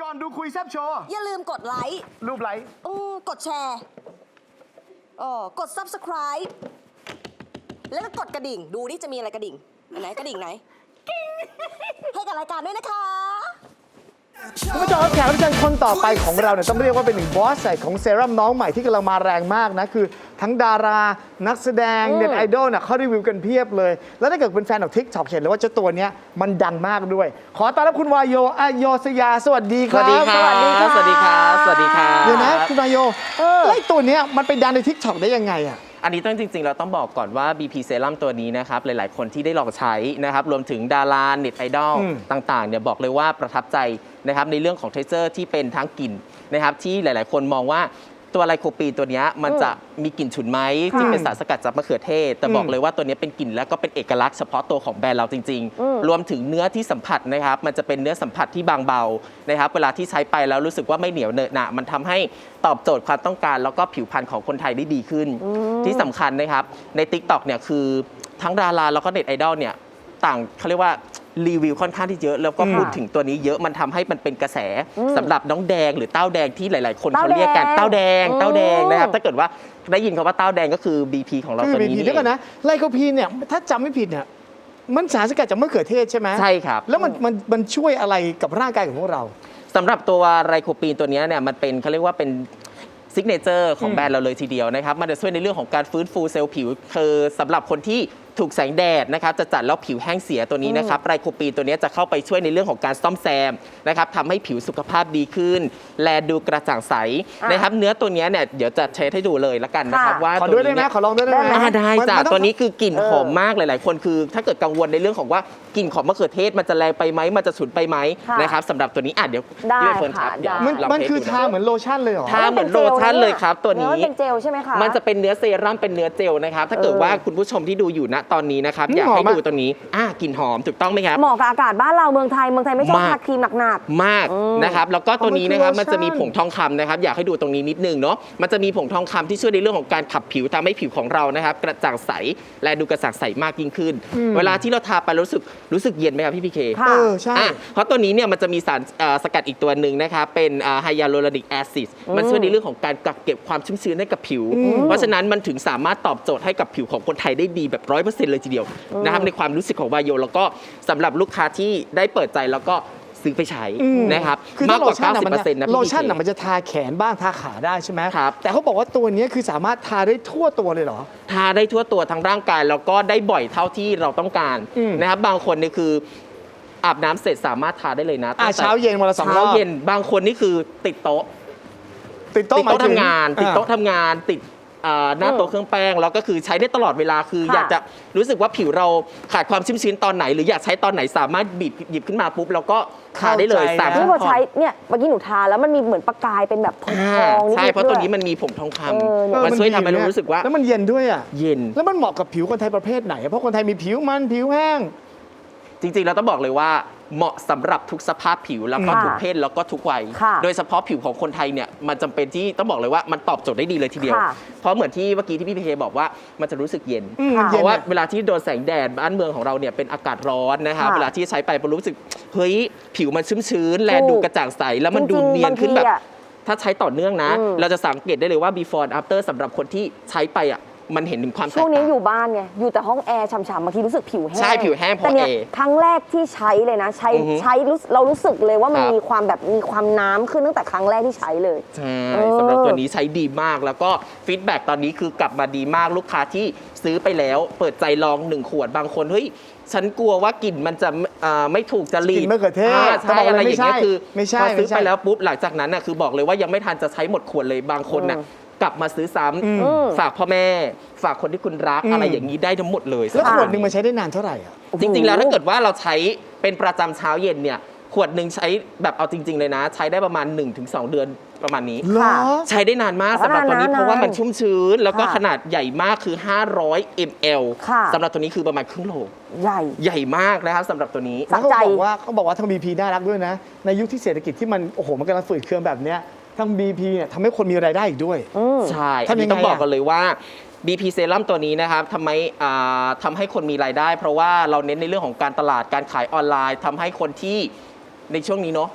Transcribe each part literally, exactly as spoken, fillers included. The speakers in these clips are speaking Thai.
อนดูคุยแซบโชว์อย่าลืมกดไลค์รูปไลค์อืมกดแชร์อ๋อกด ซับสไครบ์ แล้วก็กดกระดิ่ง ดูนี่จะมีอะไรกระดิ่งอันไหนกระดิ่งไหนให้กับรายการด้วยนะคะคุณผู้ชมครับแขกรับเชิญคนต่อไปของเราเนี่ยต้องเรียกว่าเป็นหนึ่งบอสใหญ่ของเซรั่มน้องใหม่ที่กำลังมาแรงมากนะ คือทั้งดารานักแสดงเน็ตไอดอลเนี่ยเขารีวิวกันเพียบเลย แล้วถ้าเกิดเป็นแฟนของทิกช็อกเห็นเลยว่าเจ้าตัวเนี้ยมันดังมากด้วย ขอต้อนรับคุณวายโยอโยสยาสวัสดีคสรับวัสดีครับ สวัสดีครับ สวัสดีครับเดี๋ยวนะคุณวายโยแล้วไอ้ตัวเนี้ยมันไปดังในทิกช็อกได้ยังไงอ่ะอันนี้ต้องจริงๆ เราต้องบอกก่อนว่า บี พี Serum ตัวนี้นะครับ หลายๆ คนที่ได้ลองใช้นะครับ รวมถึงดาราเน็ตไอดอลอืมต่างๆ เนี่ยบอกเลยว่าประทับใจนะครับในเรื่องของเทเซอร์ที่เป็นทั้งกลิ่นนะครับที่หลายๆ คนมองว่าตัวไลโคปีนตัวเนี้ยมันจะมีกลิ่นฉุนไหมที่เป็นสารสกัดจากมะเขือเทศ แต่บอกเลยว่าตัวเนี้ยเป็นกลิ่นแล้วก็เป็นเอกลักษณ์เฉพาะตัวของแบรนด์เราจริง ๆ รวมถึงเนื้อที่สัมผัสนะครับมันจะเป็นเนื้อสัมผัสที่บางเบานะครับเวลาที่ใช้ไปแล้วรู้สึกว่าไม่เหนียวเหนอะหนะมันทำให้ตอบโจทย์ความต้องการแล้วก็ผิวพรรณของคนไทยได้ดีขึ้น ที่สำคัญนะครับใน ติ๊กต็อก เนี่ยคือทั้งดาราแล้วก็เน็ตไอดอลเนี่ยต่างเขาเรียกว่ารีวิวค่อนข้างที่เยอะ แล้วก็พูดถึงตัวนี้เยอะมันทำให้มันเป็นกระแสสำหรับน้องแดงหรือเต้าแดงที่หลาย ๆ คนเขาเรียกกันเต้าแดงเต้าแดงนะครับถ้าเกิดว่าได้ยินคำว่าเต้าแดงก็คือ บี พี ของเราคือตัวบีนี้พีนี่เดี๋ยวก่อนนะไลโคพีนเนี่ยถ้าจำไม่ผิดเนี่ยมันสารสกัดจากมะเขือเทศใช่ไหมใช่ครับแล้วมันมันมันช่วยอะไรกับร่างกายของพวกเราสำหรับตัวไรโคปีนตัวนี้เนี่ยมันเป็นเขาเรียกว่าเป็นซิกเนเจอร์ของแบรนด์เราเลยทีเดียวนะครับมันจะช่วยในเรื่องของการฟื้นฟูเซลล์ผิวคือสำหรับคนที่ถูกแสงแดดนะครับจะจัดแล้วผิวแห้งเสียตัวนี้นะครับไรโคปีนตัวนี้จะเข้าไปช่วยในเรื่องของการซ่อมแซมนะครับทำให้ผิวสุขภาพดีขึ้น แลดูกระจ่างใสนะครับเนื้อตัวนี้เนี่ยเดี๋ยวจะเทสให้ดูเลยละกันนะครับว่าขอตัวด้วยได้นี้ไหมเนี่ยขอลองด้วยได้ไหมอ่าได้มันจ้ะมันต้องตัวนี้คือกลิ่นหอมมากหลายๆ คนคือ ถ้าเกิดกังวลในเรื่องของว่ากลิ่นของมะเขือเทศมันจะแรงไปไหมมันจะฉุนไปไหมค่ะนะครับสำหรับตัวนี้อ่ะเดี๋ยวได้พี่ใบเฟิร์นครับค่ะเดี๋ยวได้มันเรามันเทสคือดูะทาเหมือนโลชั่นเลยเหรอทาเหมือนโลชั่นเลยครับตัวนี้เนื้อเป็นเจลใช่ไหมคะมันจะเป็นเนื้อเซรั่มเป็นเนื้อเจลนะครับ ถ้าเกิดว่าคุณผู้ชมที่ดูอยู่ณตอนนี้นะครับอืมอยากให้หอมมากดูตัวนี้อ่ากลิ่นหอมถูกต้องไหมครับเหมาะกับอากาศบ้านเราเมืองไทยเมืองไทยไม่ชอบมากทาครีมหนักมากนะครับแล้วก็ตัวนี้นะครับมัมันนคือจะมีโลชั่นผงทองคำนะครับอยากให้ดูตรงนี้นิดนึงเนาะมันจะมีผงทองคำที่ช่วยในเรื่องของการขับผิวทำให้ผิวของเรานะครับกระจ่างใสและดูกระจ่างใสมากยิ่งขึ้น เวลาที่เราทาไปรู้สึกรู้สึกเย็นไหมครับพี่พีเคค่ะเออใช่อ่ะเพราะตัวนี้เนี่ยมันจะมีสารเอ่อสกัดอีกตัวหนึ่งนะครับเป็นไฮยาลูรอนิกแอซิดมันช่วยในเรื่องของการกักเก็บความชุ่มชื้นให้กับผิว เพราะฉะนั้นมันถึงสามารถตอบโจทย์ให้กับผิวของคนไทยได้ดีแบบร้อยเปอร์เซ็นต์เลยทีเดียวนะครับในความรู้สึกของวายโยแล้วก็สำหรับลูกค้าที่ได้เปิดใจแล้วก็ซื้อไปใช้นะครับคือมากกว่าถ้โลชั่นเก้าสิบมัเปอร์เซ็นต์นะโลพี่ชั่นพีน่ะมันจะทาแขนบ้างทาขาได้ใช่ไหมครับแต่เขาบอกว่าตัวเนี้ยคือสามารถทาได้ทั่วตัวเลยเหรอทาได้ทั่วตัวทั้งร่างกายแล้วก็ได้บ่อยเท่าที่เราต้องการอืมนะครับบางคนนี่คืออาบน้ำเสร็จสามารถทาได้เลยนะอ่ะตั้งแต่เช้าเย็นวันละสองรอบเช้าเย็นบางคนนี่คือติดโต๊ะติดโต๊ะติดโต๊ะหมยถึทำงาน ติดโต๊ะอ่ทำงานติดอ่าหน้าโต๊ะเครื่องแป้งแล้วก็คือใช้ได้ตลอดเวลาคือค่ะอยากจะรู้สึกว่าผิวเราขาดความชุ่มชื้นตอนไหน หรืออยากใช้ตอนไหนสามารถบีบหยิบขึ้นมาปุ๊บแล้วก็ทาได้เลยเข้าใจสามนะนี่ขั้นพอตอใช้นเนี่ยเมื่อกี้หนูทาแล้วมันมีเหมือนประกายเป็นแบบทองอ่าๆนิดๆใช่เพราะตัวด้วยนี้มันมีผงทองคเออำมันช่วยทำให้เราดีรู้สึกว่าแล้วมันเย็นด้วยอ่ะเย็นแล้วมันเหมาะกับผิวคนไทยประเภทไหนอะเพราะคนไทยมีผิวมันผิวแห้งจริงๆ เราต้องบอกเลยว่าเหมาะสำหรับทุกสภาพผิวแล้วก็ค่ะทุกเพศแล้วก็ทุกวัยค่ะโดยเฉพาะผิวของคนไทยเนี่ยมันจำเป็นที่ต้องบอกเลยว่ามันตอบโจทย์ได้ดีเลยทีเดียวค่ะเพราะเหมือนที่เมื่อกี้ที่พี่พีเคบอกว่ามันจะรู้สึกเย็นอืมค่ะเพราะว่าเย็นอะเวลาที่โดนแสงแดดบ้านเมืองของเราเนี่ยเป็นอากาศร้อนนะครับค่ะเวลาที่ใช้ไปมันรู้สึกเฮ้ยผิวมันชุ่มชื้นแลถูกดูกระจ่างใสแล้วมันดูจริงๆเนียนขึ้นแบบบางทีอะถ้าใช้ต่อเนื่องนะอืมเราจะสังเกตได้เลยว่า before and after สำหรับคนที่ใช้ไปอ่ะมันเห็นถึงความแตกช่วงนี้ต่างอยู่บ้านไง อยู่แต่ห้องแอร์ฉ่ำๆบางทีรู้สึกผิวแห้งใช่ผิวแห้งเพราะแต่เนี่ยแอร์ครั้งแรกที่ใช้เลยนะ ใช้อือฮึใช้รู้เรารู้สึกเลยว่ามันครับมีความแบบมีความน้ำขึ้นตั้งแต่ครั้งแรกที่ใช้เลยใช่เออสำหรับตัวนี้ใช้ดีมากแล้วก็ฟีดแบ็กตอนนี้คือกลับมาดีมากลูกค้าที่ซื้อไปแล้ว เปิดใจลองหนึ่งขวดบางคนเฮ้ยฉันกลัวว่ากลิ่นมันจะอ่าไม่ถูกจริตกลิ่นมะเขือเทศาแต่ใช่บอกเลยอะไรอย่างเงี้ยไม่ใช่คือไม่ใช่พอซื้อไม่ใช่ไปแล้วปุ๊บหลังจากนั้นน่ะคือบอกเลยว่ายังไม่ทันจะใช้หมดขวดเลยบางคนน่ะกลับมาซื้อซ้ำฝากพ่อแม่ ฝากคนที่คุณรักอะไรอย่างนี้ได้ทั้งหมดเลยแล้วขวดหนึ่งสำรับมันใช้ได้นานเท่าไหร่อ่ะจริงๆ แล้วถ้าเกิดว่าเราใช้เป็นประจำเช้าเย็นเนี่ยขวดหนึ่งใช้แบบเอาจริง ๆ เลยนะ ใช้ได้ประมาณ หนึ่งถึงสอง เดือนประมาณนี้เหรอใช้ได้นานมากแต่สำหรับตัวนี้นานๆเพราะว่ามันชุ่มชื้น แล้วก็ค่ะขนาดใหญ่มากคือ ห้าร้อย มิลลิลิตรค่ะสำหรับตัวนี้คือประมาณครึ่งโลใหญ่ใหญ่มากนะครับสำหรับตัวนี้สะแล้วเขาใจบอกว่าเขาบอกว่าทางบีพีน่ารักด้วยนะ ในยุคที่เศรษฐกิจที่มันโอ้โหมันกำลังฝืดเคืองแบบเนี้ยทางบีพีเนี่ยทำให้คนมีรายได้อีกด้วยใช่ทำอันยันี้งไงต้องบอกอะกันเลยว่า บี พี Serum ตัวนี้นะครับทำไมอ่าทำให้คนมีรายได้ เพราะว่าเราเน้นในเรื่องของการตลาดการขายออนไลน์ทำให้คนที่ในช่วงนี้เนาะโต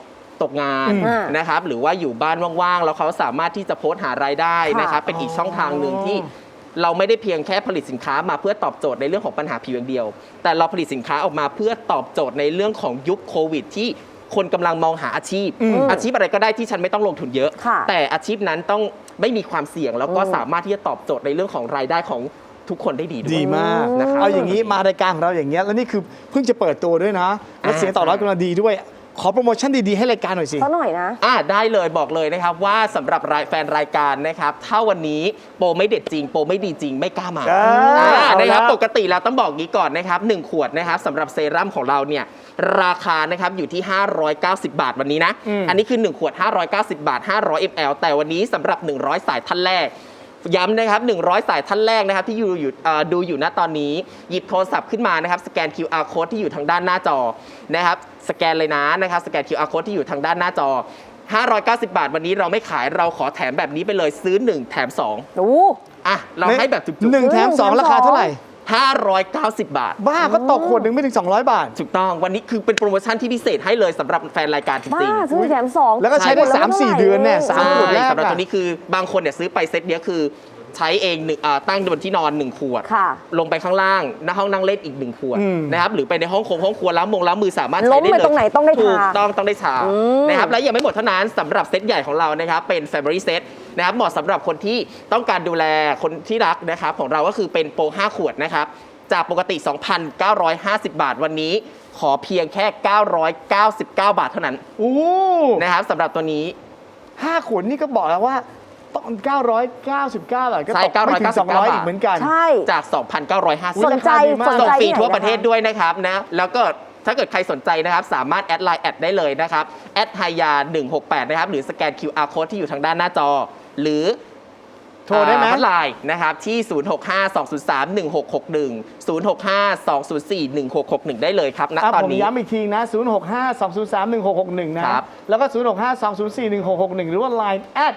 ตกงานอืมนะครับหรือว่าอยู่บ้านว่างๆ แล้วเขาสามารถที่จะโพสต์หารายได้นะครับเป็นอีกช่องทางหนึ่งที่เราไม่ได้เพียงแค่ผลิตสินค้ามาเพื่อตอบโจทย์ในเรื่องของปัญหาผิวอย่างเดียว แต่เราผลิตสินค้าออกมาเพื่อตอบโจทย์ในเรื่องของยุคโควิดที่คนกำลังมองหาอาชีพ อาชีพอะไรก็ได้ที่ฉันไม่ต้องลงทุนเยอะค่ะแต่อาชีพนั้นต้องไม่มีความเสี่ยงแล้วก็อืมสามารถที่จะตอบโจทย์ในเรื่องของรายได้ของทุกคนได้ดีด้วยดีมากนะครับเอาอย่างนี้มารายการของเราอย่างเงี้ยแล้วนี่คือเพิ่งจะเปิดตัวด้วยนะแล้วเสียงตอบรับกำลังดีด้วย ขอโปรโมชั่นดีๆให้รายการหน่อยสิเขาหน่อยนะอ่าได้เลยบอกเลยนะครับว่าสำหรับรายแฟนรายการนะครับถ้าวันนี้โปรไม่เด็ดจริง โปรไม่ดีจริงไม่กล้ามาอ่าอ่าเอานะครับแล้วปกติแล้วต้องบอกงี้ก่อนนะครับหนึ่งขวดนะครับสำหรับเซรั่มของเราเนี่ยราคานะครับอยู่ที่ ห้าร้อยเก้าสิบ บาทวันนี้นะอืมอันนี้คือหนึ่งขวด ห้าร้อยเก้าสิบ บาท ห้าร้อย มิลลิลิตร แต่วันนี้สำหรับ หนึ่งร้อย สายท่านแรก ย้ำนะครับหนึ่งร้อย สายท่านแรกนะครับที่อยู่อยู่เอ่อดูอยู่ณตอนนี้ หยิบโทรศัพท์ขึ้นมานะครับสแกน คิว อาร์ Code ที่อยู่ทางด้านหน้าจอนะครับสแกนเลยนะนะครับสแกน คิว อาร์ Code ที่อยู่ทางด้านหน้าจอ ห้าร้อยเก้าสิบ บาทวันนี้เราไม่ขายเราขอแถมแบบนี้ไปเลยซื้อหนึ่งแถมสองโอ้อ่ะเราให้แบบจุกหนึ่งแถมสองราคาเท่าไหร่ๆห้าร้อยเก้าสิบ บาทบ้าก็ตกขวดหนึ่งไม่ถึง สองร้อย บาทถูกต้องวันนี้คือเป็นโปรโมชั่นที่พิเศษให้เลยสำหรับแฟนรายการจบ้าริงซื้อแถมสองแล้วก็ใช้ได้ขวสามสี่ละเดือนเนี่ยท่สามใช่ขวดแรกสำหรับอะตัวนี้คือบางคนเนี่ยซื้อไปเซตเนี้ยคือใช้เองหนึ่งอ่าตั้งบนที่นอนหนึ่งขวดค่ะลงไปข้างล่างหน้าห้องนั่งเล่นอีกหนึ่งขวดอืมนะครับหรือไปในห้องคงห้องครัวล้างมงล้างมือสามารถล้ใช้มได้ไปเลยตรงไหนต้องได้ทาถูกต้องต้องได้ทาอืมนะครับและยังไม่หมดเท่านั้นสำหรับเซตใหญ่ของเรานะครับเป็น Family Set นะครับเหมาะสำหรับคนที่ต้องการดูแลคนที่รักนะครับของเราก็คือเป็นโปรห้าขวดนะครับจากปกติ สองพันเก้าร้อยห้าสิบ บาทวันนี้ขอเพียงแค่ เก้าร้อยเก้าสิบเก้า บาทเท่านั้นโอ้นะครับสำหรับตัวนี้ห้าขวดนี่ก็บอกแล้วว่าต้องเก้าร้อยเก้าสิบเก้า บาทก็ใช่ตกไม่ถึงสองร้อยบาทอีกเหมือนกันใช่จาก สองพันเก้าร้อยห้าสิบสนใจราคาดีมากสนส่งใจฟรีที่ไหนทั่วประเทศคด้วยนะครับนะแล้วก็ถ้าเกิดใครสนใจนะครับ สามารถแอดไลน์แอดได้เลยนะครับแอดไฮยาหนึ่งหกแปดนะครับหรือสแกน คิว อาร์ Code ที่อยู่ทางด้านหน้าจอ หรือโทรได้ไหมไลน์นะครับที่ ศูนย์ หก ห้า สอง ศูนย์ สาม หนึ่ง หก หก หนึ่ง ศูนย์ หก ห้า สอง ศูนย์ สี่ หนึ่ง หก หก หนึ่งได้เลยครับณอ่ะตอนผมนี้ย้ำอีกทีนะ ศูนย์ หก ห้า สอง ศูนย์ สาม หนึ่ง หก หก หนึ่ง นะครับแล้วก็ ศูนย์ หก ห้า สอง ศูนย์ สี่ หนึ่ง หก หก หนึ่ง หรือว่า Line แอด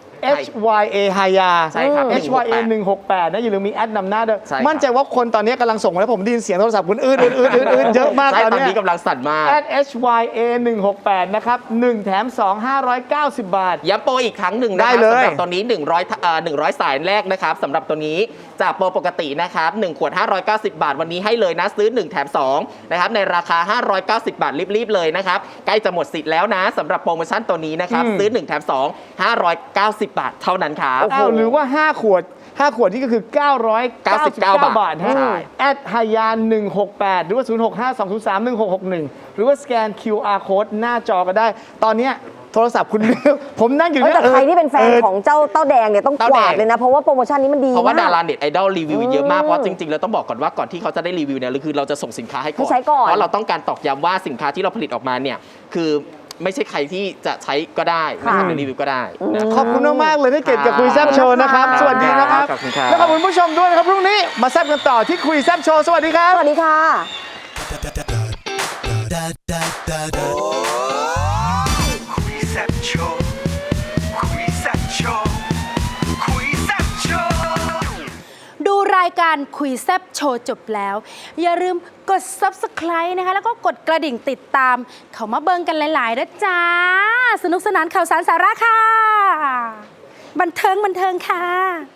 H Y A ฮายาใช่ครับ H Y A หนึ่งหกแปดนะอย่าลืมมีแอดนำหน้าด้วยใช่ครับมั่นใจว่าคนตอนนี้กำลังส่งมาแล้วผมได้ยินเสียงโทรศัพท์คุณอื้ออื้ออื้ออื้ออื้อเยอะมากใช่ตอนตอนเนี้นี้กำลังสั่นมากแอด H Y A หนึ่งหกแปดนะครับหนึ่งแถมสอง ห้าร้อยเก้าสิบ บาทย้ำโปรอีกครั้งหนึ่งนะได้ครับเลยสำหรับตัวนี้ หนึ่งร้อยเอ่อหนึ่งร้อย สายแรกนะครับสำหรับตัวนี้จากโปรปกตินะครับหนึ่งขวด ห้าร้อยเก้าสิบ บาทวันนี้ให้เลยนะซื้อหนึ่งแถมสองนะครับในราคา ห้าร้อยเก้าสิบ บาทรีบๆเลยนะครับใกล้จะหมดสิทธิ์แล้วนะสำหรับโปรโมชั่นตัวนี้นะครับซื้อหนึ่งแถมสอง ห้าร้อยเก้าสิบ บาทเท่านั้นครับอ้าวหรือว่า ห้า ขวด ห้า ขวดนี่ก็คือ เก้าร้อยเก้าสิบเก้า บาทฮะใช่แอดฮายาหนึ่งหกแปดหรือว่า ศูนย์ หก ห้า สอง ศูนย์ สาม หนึ่ง หก หก หนึ่ง หรือว่าสแกน คิว อาร์ Code หน้าจอก็ได้ ตอนเนี้ยโทรศัพท์คุณ ผมนั่งอยู่เฮ้ยเนี่ยแต่ใครที่เป็นแฟนออของเจ้าเต้าแดงเนี่ยต้องเต้าก แดงวาดเลยนะ เพราะว่าโปรโมชั่นนี้มันดีเพราะว่ามาดาก ราเน็ตไอดอลรีวิวเยอะมากอืมเพราะจริงๆเราต้องบอกก่อนว่าก่อนที่เขาจะได้รีวิวเนี่ยคือเราจะส่งสินค้าให้ก่อนให้ใช้ก่อนเพราะเราต้องการตอกย้ำว่าสินค้าที่เราผลิตออกมาเนี่ยคือไม่ใช่ใครที่จะใช้ก็ได้นะครับในรีวิวก็ได้นะขอบคุณมากๆเลยที่เกียรติกับคุยแซบโชว์นะครับครับสวัสดีนะครับขอบคุณครับแล้วขอบคุณผู้ชมด้วยนะครับพรุ่งนี้มาแซบกันต่อที่คุยแซบโชว์สวัสดีครับสวัสดีค่ะคุยแซ่บโชว์คุยแซ่บโชว์คุยแซ่บโชว์ดูรายการคุยแซบโชว์จบแล้ว อย่าลืมกด ซับสไครบ์ นะคะ แล้วก็กดกระดิ่งติดตาม เขามาเบิ่งกันหลายๆนะจ้า สนุกสนานข่าวสารสาระค่ะ บันเทิงบันเทิงค่ะ